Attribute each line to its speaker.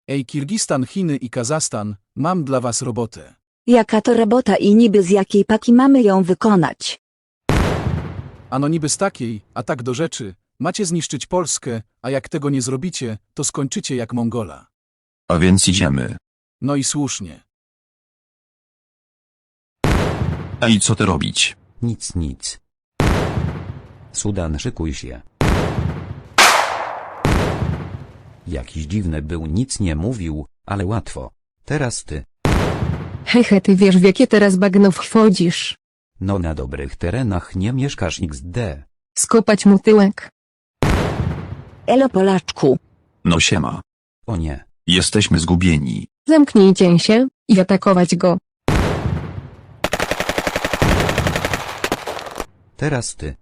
Speaker 1: Ej, Kirgistan, Chiny i Kazachstan, mam dla was robotę.
Speaker 2: Jaka to robota i niby z jakiej paki mamy ją wykonać?
Speaker 1: Ano niby z takiej, a tak do rzeczy, macie zniszczyć Polskę, a jak tego nie zrobicie, to skończycie jak Mongola.
Speaker 3: A więc idziemy.
Speaker 1: No i słusznie.
Speaker 3: A i co ty robić?
Speaker 4: Nic. Sudan, szykuj się. Jakiś dziwny był, nic nie mówił, ale łatwo. Teraz ty.
Speaker 5: Hehe, ty wiesz w jakie teraz bagno wchodzisz.
Speaker 4: No na dobrych terenach nie mieszkasz XD.
Speaker 5: Skopać mu tyłek.
Speaker 2: Elo Polaczku.
Speaker 3: No siema.
Speaker 4: O nie.
Speaker 3: Jesteśmy zgubieni.
Speaker 5: Zamknijcie się i atakować go.
Speaker 4: Teraz ty.